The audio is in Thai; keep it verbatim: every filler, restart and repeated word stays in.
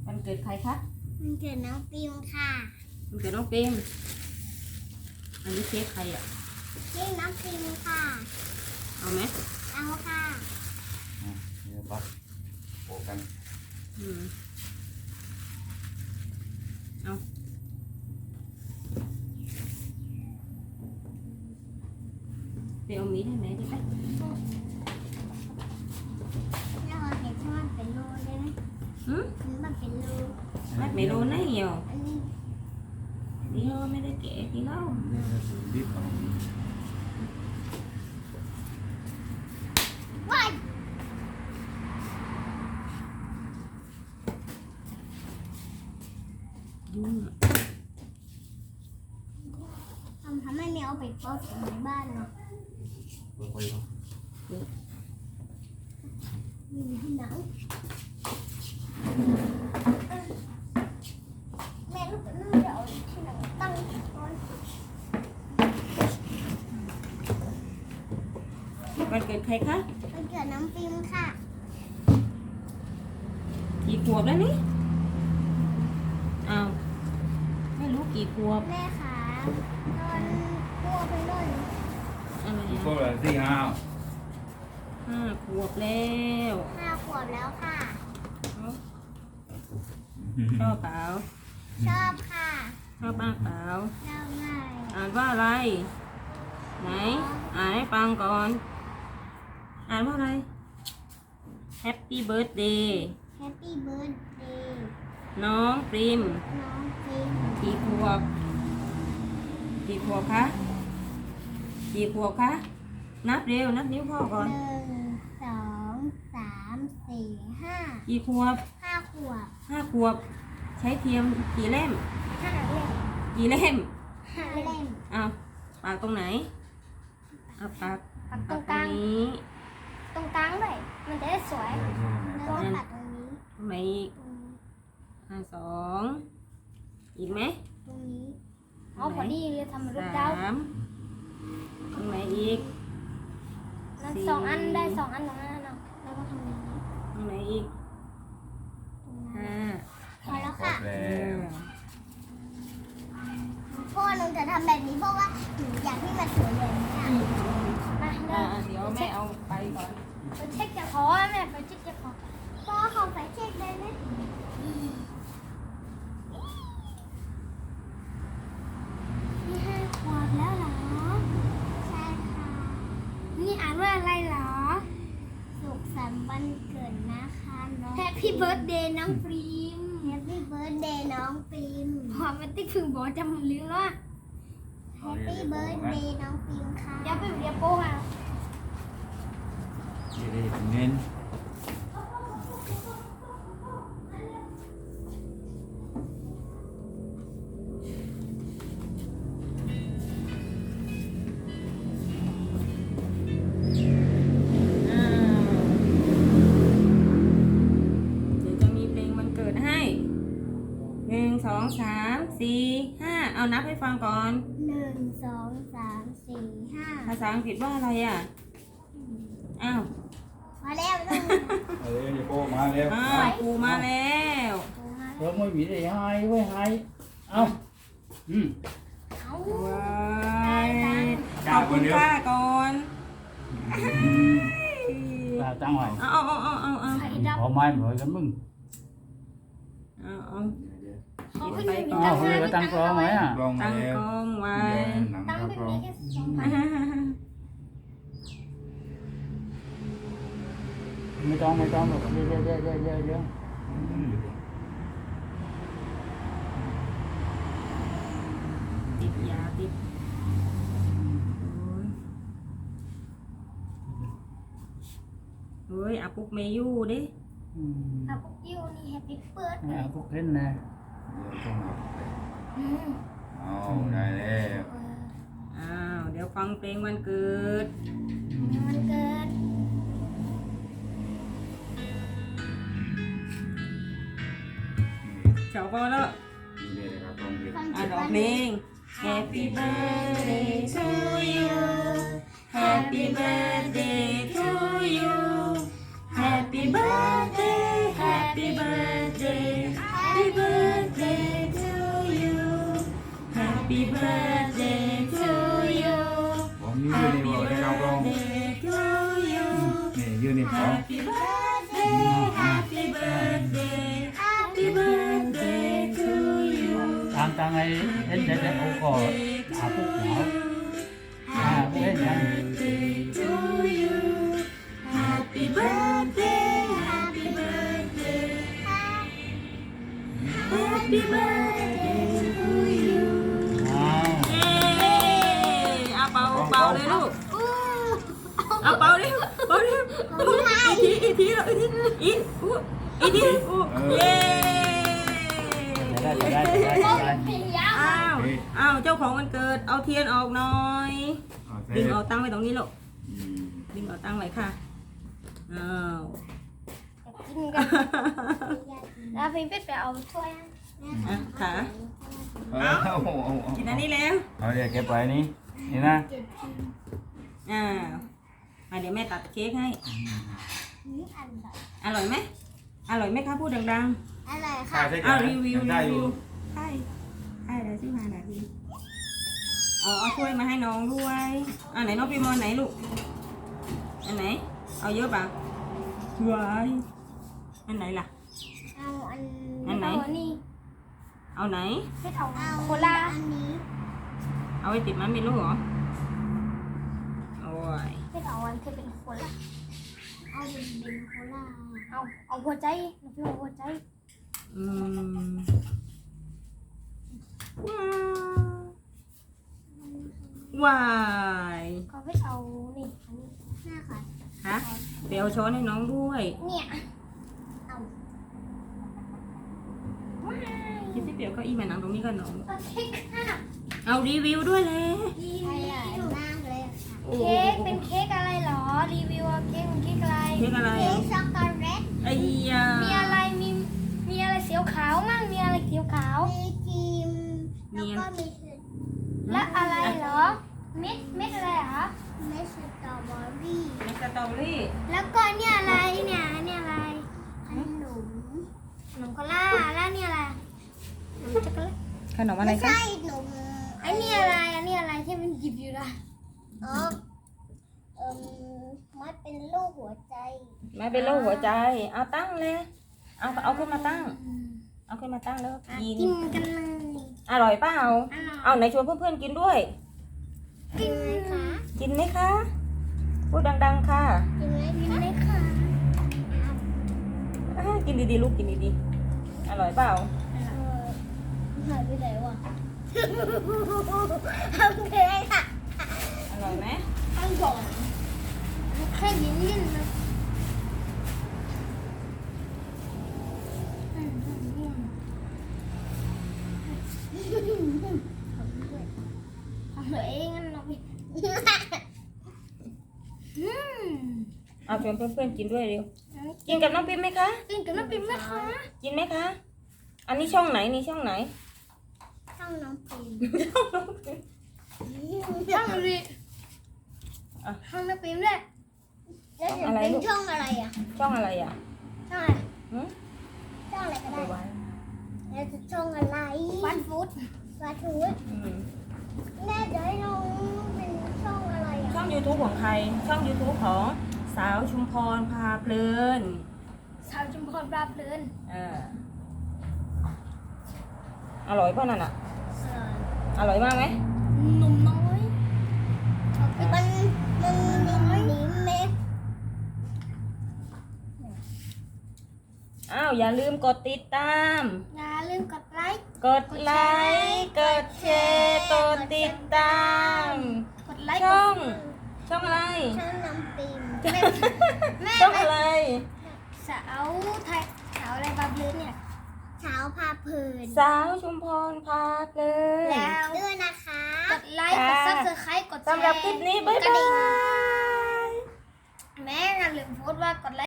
วันเกิดใครคะมันเกิดน้องปิมค่ะวันเกิดน้องปิมอันนี้เค้กใครอ่ะเค้กน้องปิมค่ะเอาไหมเอาค่ะเดี๋ยวปักโปกันอืมเอาไปเอามีดให้ไหนดิไปแล้วเราเห็นที่มันเป็นรูได้ไหมหืมมันเป็นรูมันไม่รู้นะเหี่ยวอันนี้เดี๋ยวไม่ได้แกะทีเล่าดิบเอาว้ายยุ่งทำทำให้แมวไปเฝ้าถึงในบ้านเนาะเปิดไฟเนาะมีที่ไหนแม่ลูกลูกจะเอาที่ไหนตั้งก่อนวันเกิดใครคะมันเกิดน้องปิมค่ะกี่ขวบแล้วนี่อ้าวไม่รู้กี่ขวบแม่ค่ะนอนตัวไปเลยอะไรอีกคอ่ะนละสี่ห้าห้าขวบแล้วห้าขวบแล้วค่ะชอบเปล่าชอบค่ะชอบมากเปล่าชอบง่ายอ่านว่าอะไรไหนอ่านให้ฟังก่อนอ่านว่าอะไร Happy Birthday Happy Birthday น้องปริมน้องปิมกี่ขวบกี่ขวบคะกี่ขวบคะนับเร็วนับนิ้วพ่อก่อนหนึ่งสองสามสี่ห้ากี่ขวบห้าขวบห้าขวบใช้เทียมกี่เล่มห้าเล่มกี่เล่มห้าเล่มเอาปากตรงไหนเอาปากปักตรงกลางนี้ตรงกลางเลยมันจะได้สวยแล้วก็ปักตรงนี้ตรงไหนอีกอ่าสองอีกไหมตรงนี้อ๋อพอดีเลยทำรูปดาสามตรงไหนอีกสองอันได้สองอันตรงนั้นเนาะแล้วก็ทำอย่างนี้ตรงไหนอีกห้าพอแล้วค่ะแล้วพ่อหนูจะทำแบบนี้เพราะว่าหนูอยากให้มันสวยแบบนี้อ่ะมาเดี๋ยวแม่เอาไปก่อนไปเช็คจะขอแม่ไปเช็คจะขอพ่อเขาไปเช็คได้ไหมนี่ห้าขวบแล้วเหรอใช่ค่ะนี่อ่านว่าอะไรเหรอสุขสันต์วันเกิดนะคะน้อง Happy Birthday น้องปรีม Happy Birthday น้องปรีมพอมาติ๊กถึงบอกจำลืมแล้ว Happy Birthday น้องปรีมค่ะเดี๋ยวไปเรียบโป้ค่ะเดี๋ยวได้เงินหนึ่งสองสามสี่ห้าเอานับให้ฟังก่อนหนึ่งสองสามสี่ห้าภาษาอังกฤษว่าอะไรอ่ะอ้าวมาแล้วลูกมาแล้วเดี๋ยวโป้มาแล้วอ้าวปูมาแล้วเออไม่มีอะไรให้ไว้ให้เอาอืมเอาว้ายขอบคุณป้าก่อนตาตั้งไว้เอาเอาเอาเอาเอาเอาพอไม้เหมือนกันมึงเอาเอาเขาขึ้นมีอ้าวเลยตั้งกล้องไว้อ่ะตั้งกล้องไว้ตั้งไม่มีแค่สองพันไม่ต้องไม่ต้องหรอกเยอะเยอะเยอะเยอะเยอะเยอะติดยาติดเฮ้ยอาปุกเมยูดิอาปุกยูนี่แฮปปี้เบิร์ดอาปุกเห็นนะเอาได้แล้วอ้าวเดี๋ยวฟังเพลงวันเกิดวันเกิดชอบป่ะแล้วอ่านออกเพลง Happy birthday to you Happy birthday to you Happy birthday Happy birthday ตังไอ้เอ็นเด็ดโอ้ก็อาปุ๊บหนาวอ่าเอ็นยัง to you Happy birthday Happy birthday Happy birthday to you อ้าวเย้เอาเป่าเป่าเลยลูกอู้เอาเป่าดิเป่าดิอีกทีอีกทีลูกอีกทีอีกอู้อีกทีอู้เย้จะได้จะได้จะได้จะได้เสียอ้าวอ้าวเจ้าของวันเกิดเอาเทียนออกหน่อยเอาเสดึร็งจเอาตั้งไว้ตรงนี้ลูกอืมดึงเอาตั้งไว้ค่ะอ้าวกินกันแล้วพี่เป็ดไปเอาถ้วยอ่ะขาเอาเอาเอาเอากินอันนี้แล้วเอาเดี๋ยวเก็บไว้นี่นี่นะอ้าวมาเดี๋ยวแม่ตัดเค้กให้นี่อันแบบอร่อยไหมอร่อยไหมคะพูดดังอะไรถ่าค่ะยใช่ๆไหมอ้าวรีวิวได้รีอวิยู่วใช่ใช่เลยสิบห้านาทีเอาเอาถ้วยมาให้น้องด้วยอ่าไหนน้องปีมอนไหนลูกอันไหนเอาเยอะป่ะวายอันไหนล่ะเอาอันอันไหนเอานี่เอาไหนเป็ดเอาโคลาอันนี้เอาไว้ติดมันเป็นลูกเหรอโอ้ยเป็ดเอาอันที่เป็นโคลาเอาเป็นเป็นโคลาเอาเอาหัวใจเราพี่เอาหัวใจอืมว้าวายเขาเป็ดเอานี่อันนี้หน้าค่ะฮะเดี๋ยวเอาช้อนให้น้องด้วยเนี่ยเอาว้ายคิดที่เดี๋ยวเก็อีมานั่งตรงนี้กันน้องเอาเค้กค่ะเอารีวิวด้วยเลยรีวิวมากเลยค่ะโอ้เค้กเป็นเค้กอะไรหรอ รีวิวเอาเค้กเป็นเค้กอะไรเค้กอะไรเค้อ่ะกช็อกโกแลตไอ้ยามีอะไร มี มีอะไรเสียวขาวมั่ง มีอะไรเสียวขาว มีครีมมีแล้วก็มีแล้วอะไรเหรอ เม็ด เม็ดอะไรเหรอ เม็ดสตรอเบอรี่มีสตรอเบอรี่แล้วก็เนี่ยอะไร เนี่ยเนี่ยอะไร ขนม ขนมโคล่าแล้วเนี่ยอะไรขนมช็อกโกแลตขนมอะไรไม่คะใช่นมอันนี้อะไร อันนี้อะไรที่มันหยิบอยู่ล่ะอ๋อเอ่มมันเป็นลูกหัวใจไม่เป็นโรคหัวใจ เอาตั้งเลย เอาเอาขึ้นมาตั้ง เอาขึ้นมาตั้งแล้วก็กินกินกันเลยอร่อยเปล่าอร่อยเอาไหนชวนเพื่อนๆกินด้วยกินไหมคะกินไหมคะ พูดดังๆค่ะกินไหมกินไหมคะอ่ากินดีๆลูกกินดีๆ อร่อยเปล่าเออหายไปไหนวะทำไงค่ะอร่อยไหมตั้งก่อนแค่ยิ้มยิ้มนะทำตัวเองงั้นเราไปอืมเอาชวนเพื่อนๆกินด้วยเร็ว กินกับน้องปิ๊มไหมคะกินกับน้ำปิ้งไหมคะกินไหมคะ อันนี้ช่องไหนนี่ช่องไหนช่องน้ำปิ้งช่องน้องปิ๊มช่องอะไรอ่ะช่องน้ำปิ้งด้วยแล้วช่องอะไรเป็นลูกช่องอะไรอ่ะช่องอะไรอ่ะช่องอะไรหืมช่องอะไรก็เอาได้ไปไว้แล้วจะช่องอะไรฟันฟู้ดฟันฟู้ดอืมแม่เดี๋ยวให้น้องเป็นช่องอะไรอ่ะช่อง YouTube ของใคร ช่อง YouTube ของสาวชุมพรพาเพลินสาวชุมพรปลาเพลินเอออร่อยป่ะนั่นอ่ะ อร่อยมากไหมหนุ่มน้อยมันมันน้อยนี้เม็ดอ้าวอย่าลืมกดติดตามอย่าลืมกดไลค์กดไลค์กดแชร์กดติดตามกดไลค์ช่อง ช่องอะไรช่องน้ำปิมแม่ช่องอะไรสาวไทยสาวอะไรปลาเพลินเนี่ยสาวพาเพลินสาวชุมพรพาเพลินแล้วด้วยนะคะ กดไลค์ กดซับสไครต์กดแชร์สำหรับคลิปนี้บ๊ายกดกระบาดิ่งยแม่อย่าลืมโพสต์ว่ากดไลค์